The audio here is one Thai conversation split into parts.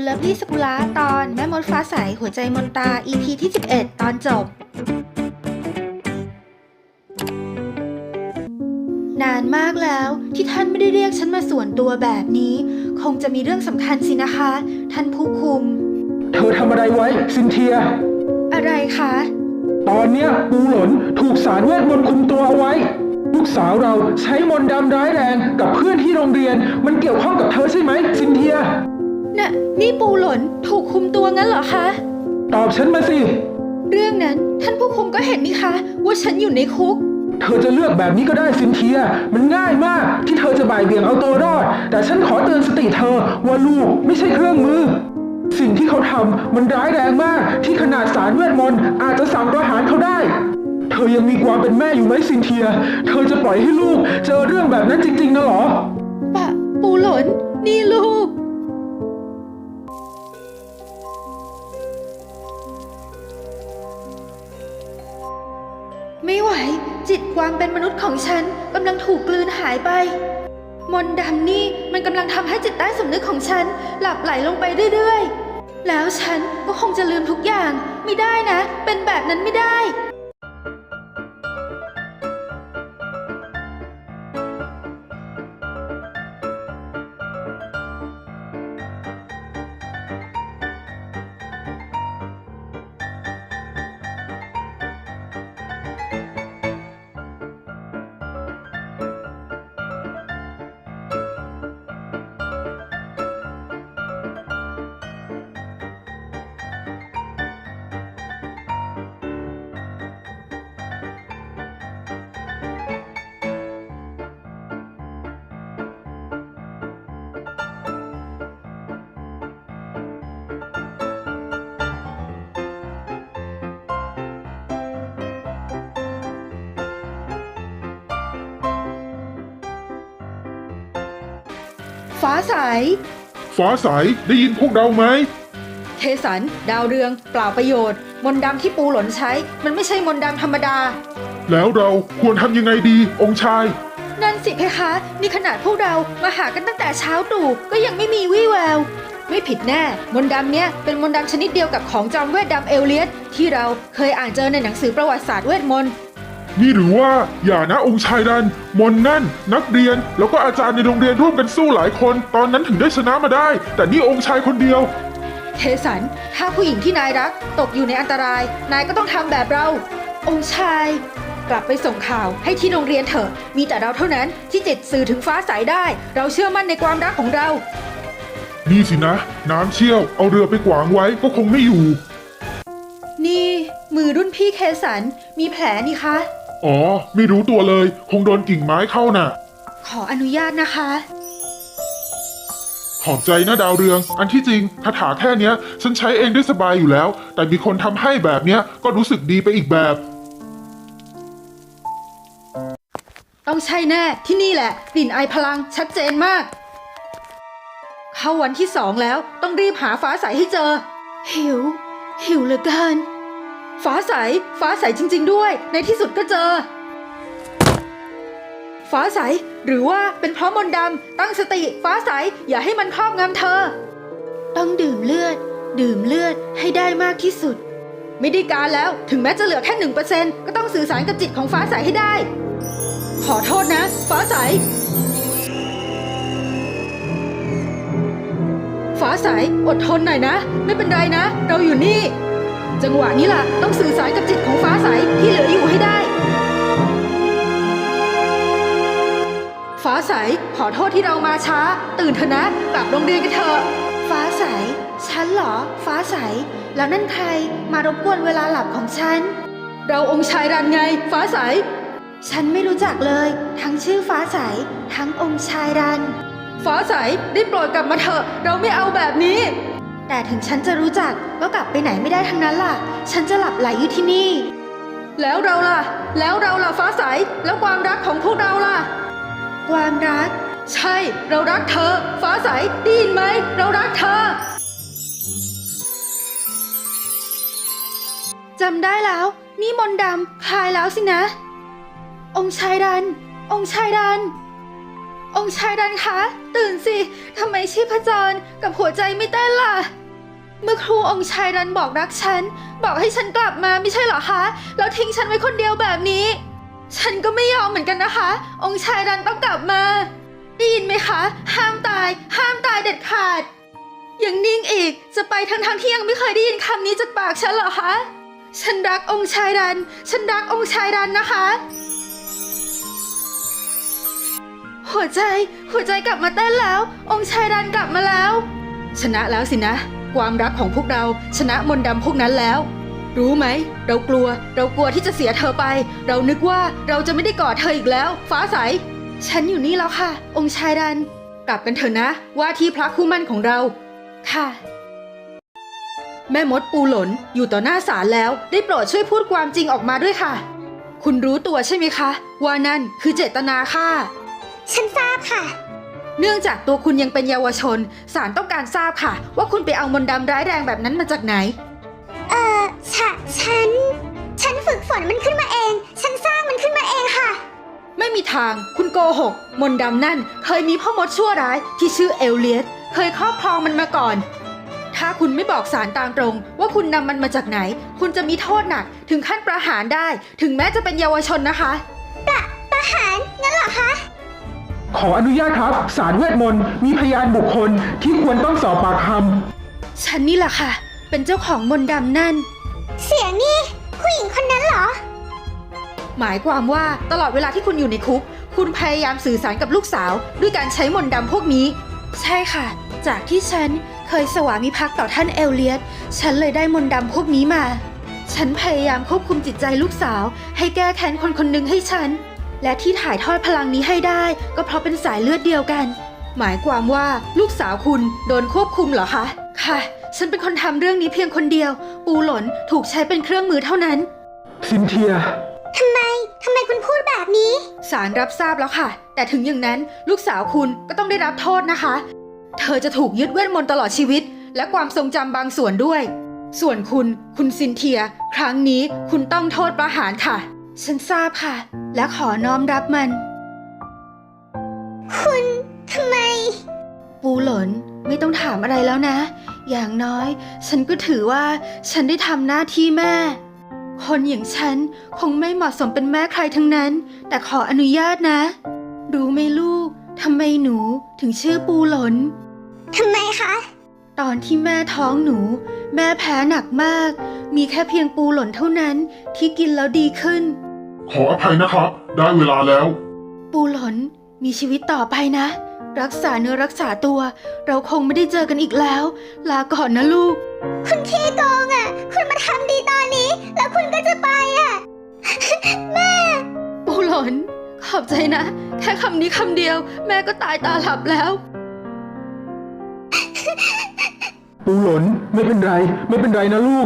ลิฟลี่สกุลาตอนแม่มดฟ้าใสหัวใจมนตา EP ที่ 11 ตอนจบนานมากแล้วที่ท่านไม่ได้เรียกฉันมาส่วนตัวแบบนี้คงจะมีเรื่องสำคัญสินะคะท่านผู้คุมเธอทำอะไรไว้ซินเทียอะไรคะตอนเนี้ยปูหลนถูกศาลเวทมนต์คุมตัวเอาไว้ลูกสาวเราใช้มนต์ดำร้ายแรงกับเพื่อนที่โรงเรียนมันเกี่ยวข้องกับเธอใช่ไหมซินเทียนี่ปูหลนถูกคุมตัวงั้นเหรอคะตอบฉันมาสิเรื่องนั้นท่านผู้คุมก็เห็นนี่คะว่าฉันอยู่ในคุกเธอจะเลือกแบบนี้ก็ได้ซินเทียมันง่ายมากที่เธอจะบ่ายเบี่ยงเอาตัวรอดแต่ฉันขอเตือนสติเธอว่าลูกไม่ใช่เครื่องมือสิ่งที่เขาทำมันร้ายแรงมากที่ขนาดศาลเวทมนต์อาจจะสั่งประหารเขาได้เธอยังมีความเป็นแม่อยู่ไหมซินเทียเธอจะปล่อยให้ลูกเจอเรื่องแบบนั้นจริงๆนะหรอปูหลนนี่ลูกไม่ไหวจิตความเป็นมนุษย์ของฉันกำลังถูกกลืนหายไปมนต์ดำนี่มันกำลังทำให้จิตใต้สำนึกของฉันหลับไหลลงไปเรื่อยๆแล้วฉันก็คงจะลืมทุกอย่างไม่ได้นะเป็นแบบนั้นไม่ได้ฟ้าใสได้ยินพวกเราไหมเคสันดาวเรืองเปล่าประโยชน์มนต์ดำที่ปูหลนใช้มันไม่ใช่มนต์ดำธรรมดาแล้วเราควรทำยังไงดีองค์ชายนั่นสิเพคะนี่ขนาดพวกเรามาหากันตั้งแต่เช้าตรู่ก็ยังไม่มีวี่แววไม่ผิดแน่มนต์ดำเนี้ยเป็นมนต์ดำชนิดเดียวกับของจอมเวทดำเอลเลียสที่เราเคยอ่านเจอในหนังสือประวัติศาสตร์เวทมนต์นี่หรือว่าอย่านะองค์ชายดันมนนั่นนักเรียนแล้วก็อาจารย์ในโรงเรียนร่วมกันสู้หลายคนตอนนั้นถึงได้ชนะมาได้แต่นี่องค์ชายคนเดียวเคสันถ้าผู้หญิงที่นายรักตกอยู่ในอันตรายนายก็ต้องทำแบบเราองค์ชายกลับไปส่งข่าวให้ที่โรงเรียนเถอะมีแต่เราเท่านั้นที่จิตสื่อถึงฟ้าใสได้เราเชื่อมั่นในความรักของเรานี่สินะน้ำเชี่ยวเอาเรือไปขวางไว้ก็คงไม่อยู่นี่มือรุ่นพี่เคสันมีแผลนี่คะอ๋อไม่รู้ตัวเลยคงโดนกิ่งไม้เข้าน่ะขออนุญาตนะคะขอบใจนะดาวเรืองอันที่จริงคาถาแค่เนี้ยฉันใช้เองได้สบายอยู่แล้วแต่มีคนทำให้แบบเนี้ยก็รู้สึกดีไปอีกแบบต้องใช่แน่ที่นี่แหละกลิ่นไอพลังชัดเจนมากเข้าวันที่2แล้วต้องรีบหาฟ้าใสให้เจอหิวเหลือเกินฟ้าใสจริงๆด้วยในที่สุดก็เจอฟ้าใสหรือว่าเป็นเพราะมนต์ดำตั้งสติฟ้าใสอย่าให้มันครอบงำเธอต้องดื่มเลือดให้ได้มากที่สุดไม่ได้การแล้วถึงแม้จะเหลือแค่ 1% ก็ต้องสื่อสารกับจิตของฟ้าใสให้ได้ขอโทษนะฟ้าใสอดทนหน่อยนะไม่เป็นไรนะเราอยู่นี่จังหวะนี้ล่ะต้องสื่อสารกับจิตของฟ้าใสที่เหลืออยู่ให้ได้ฟ้าใสขอโทษที่เรามาช้าตื่นเถอะนะกลับโรงเรียนกันเถอะฟ้าใสฉันเหรอฟ้าใสแล้วนั่นใครมารบกวนเวลาหลับของฉันเราองค์ชายรันไงฟ้าใสฉันไม่รู้จักเลยทั้งชื่อฟ้าใสทั้งองค์ชายรันฟ้าใสได้โปรดกลับมาเถอะเราไม่เอาแบบนี้แต่ถึงฉันจะรู้จักก็กลับไปไหนไม่ได้ทั้งนั้นล่ะฉันจะหลับไหลอยู่ที่นี่แล้วเราล่ะฟ้าใสแล้วความรักของพวกเราล่ะความรักใช่เรารักเธอฟ้าใสได้ยินไหมเรารักเธอจำได้แล้วนี่มนต์ดำคลายแล้วสินะองค์ชายดันคะตื่นสิทำไมชีพจรกับหัวใจไม่เต้นล่ะเมื่อครูองค์ชายรันบอกรักฉันบอกให้ฉันกลับมาไม่ใช่เหรอคะแล้วทิ้งฉันไว้คนเดียวแบบนี้ฉันก็ไม่ยอมเหมือนกันนะคะ องค์ชายรันต้องกลับมาได้ยินไหมคะห้ามตายเด็ดขาดยังนิ่งอีกจะไปทั้งที่ยังไม่เคยได้ยินคำนี้จากปากฉันเหรอคะฉันรักองค์ชายรันฉันรักองค์ชายรันนะคะหัวใจกลับมาเต้นแล้ว องค์ชายรันกลับมาแล้วชนะแล้วสินะความรักของพวกเราชนะมนต์ดำพวกนั้นแล้วรู้ไหมเรากลัวที่จะเสียเธอไปเรานึกว่าเราจะไม่ได้กอดเธออีกแล้วฟ้าใสฉันอยู่นี่แล้วค่ะองค์ชายรันกลับกันเถอะนะว่าที่พระคู่มั่นของเราค่ะแม่มดปูหลนอยู่ต่อหน้าศาลแล้วได้โปรดช่วยพูดความจริงออกมาด้วยค่ะคุณรู้ตัวใช่ไหมคะว่านั่นคือเจตนาค่ะฉันทราบค่ะเนื่องจากตัวคุณยังเป็นเยาวชนศาลต้องการทราบค่ะว่าคุณไปเอามนต์ดำร้ายแรงแบบนั้นมาจากไหนฉันฝึกฝนมันขึ้นมาเองฉันสร้างมันขึ้นมาเองค่ะไม่มีทางคุณโกหกมนต์ดำนั่นเคยมีพ่อมดชั่วร้ายที่ชื่อเอลเลียสเคยครอบครองมันมาก่อนถ้าคุณไม่บอกศาลตามตรงว่าคุณนำมันมาจากไหนคุณจะมีโทษหนักถึงขั้นประหารได้ถึงแม้จะเป็นเยาวชนนะคะประหารงั้นเหรอคะขออนุญาตครับศาลเวทมนต์มีพยานบุคคลที่ควรต้องสอบปากคำฉันนี่แหละค่ะเป็นเจ้าของมนต์ดำนั่นเสียงนี่ผู้หญิงคนนั้นเหรอหมายความว่าตลอดเวลาที่คุณอยู่ในคุกคุณพยายามสื่อสารกับลูกสาวด้วยการใช้มนต์ดำพวกนี้ใช่ค่ะจากที่ฉันเคยสวามิภักดิ์ต่อท่านเอลเลียสฉันเลยได้มนต์ดำพวกนี้มาฉันพยายามควบคุมจิตใจลูกสาวให้แก้แค้นคนหนึ่งให้ฉันและที่ถ่ายทอดพลังนี้ให้ได้ก็เพราะเป็นสายเลือดเดียวกันหมายความว่าลูกสาวคุณโดนควบคุมเหรอคะค่ะฉันเป็นคนทำเรื่องนี้เพียงคนเดียวปูหลนถูกใช้เป็นเครื่องมือเท่านั้นซินเทียทำไมคุณพูดแบบนี้ศาลรับทราบแล้วค่ะแต่ถึงอย่างนั้นลูกสาวคุณก็ต้องได้รับโทษนะคะเธอจะถูกยึดเวทมนต์ตลอดชีวิตและความทรงจำบางส่วนด้วยส่วนคุณซินเทียครั้งนี้คุณต้องโทษประหารค่ะฉันทราบค่ะและขอน้อมรับมันคุณทำไมปูหลนไม่ต้องถามอะไรแล้วนะอย่างน้อยฉันก็ถือว่าฉันได้ทำหน้าที่แม่คนอย่างฉันคงไม่เหมาะสมเป็นแม่ใครทั้งนั้นแต่ขออนุญาตนะรู้ไหมลูกทำไมหนูถึงชื่อปูหลนทำไมคะตอนที่แม่ท้องหนูแม่แพ้หนักมากมีแค่เพียงปูหลนเท่านั้นที่กินแล้วดีขึ้นขออภัยนะครับได้เวลาแล้วปูหลนมีชีวิตต่อไปนะรักษาเนื้อรักษาตัวเราคงไม่ได้เจอกันอีกแล้วลาก่อนนะลูกคุณขี้โกงอ่ะคุณมาทำดีตอนนี้แล้วคุณก็จะไปอ่ะ แม่ปูหลนขอบใจนะแค่คำนี้คำเดียวแม่ก็ตายตาหลับแล้วปูหลนไม่เป็นไรนะลูก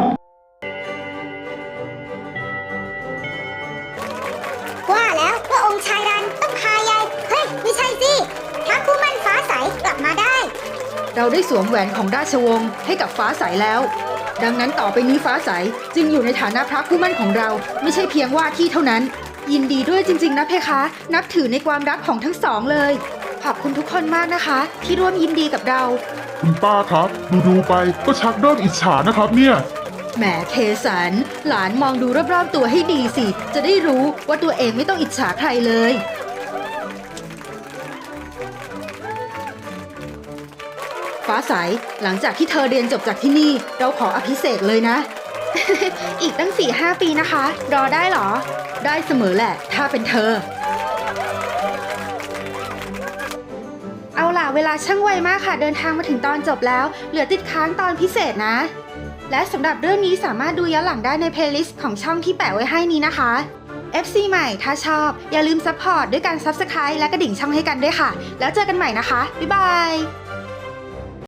ว่าแล้วว่าองค์ชายรันต้องพายายเฮ้ยไม่ใช่สิพระคู่มั่นฟ้าใสกลับมาได้เราได้สวมแหวนของราชวงศ์ให้กับฟ้าใสแล้วดังนั้นต่อไปนี้ฟ้าใสจึงอยู่ในฐานะพระคู่มั่นของเราไม่ใช่เพียงว่าที่เท่านั้นยินดีด้วยจริงๆนะเพคะนับถือในความรักของทั้งสองเลยขอบคุณทุกคนมากนะคะที่ร่วมยินดีกับเราคุณป้าครับดูไปก็ชักเริ่มอิจฉานะครับเนี่ยแหมเคสันหลานมองดูรอบๆตัวให้ดีสิจะได้รู้ว่าตัวเองไม่ต้องอิจฉาใครเลยฟ้าใสหลังจากที่เธอเรียนจบจากที่นี่เราขออภิเษกเลยนะ อีกตั้ง 4-5 ปีนะคะรอได้หรอได้เสมอแหละถ้าเป็นเธอเอาล่ะเวลาช่างไวมากค่ะเดินทางมาถึงตอนจบแล้วเหลือติดค้างตอนพิเศษนะและสำหรับเรื่องนี้สามารถดูย้อนหลังได้ในเพลย์ลิสต์ของช่องที่แปะไว้ให้นี้นะคะ FC ใหม่ถ้าชอบอย่าลืมซัพพอร์ตด้วยการ Subscribe และกระดิ่งช่องให้กันด้วยค่ะแล้วเจอกันใหม่นะคะบ๊ายบาย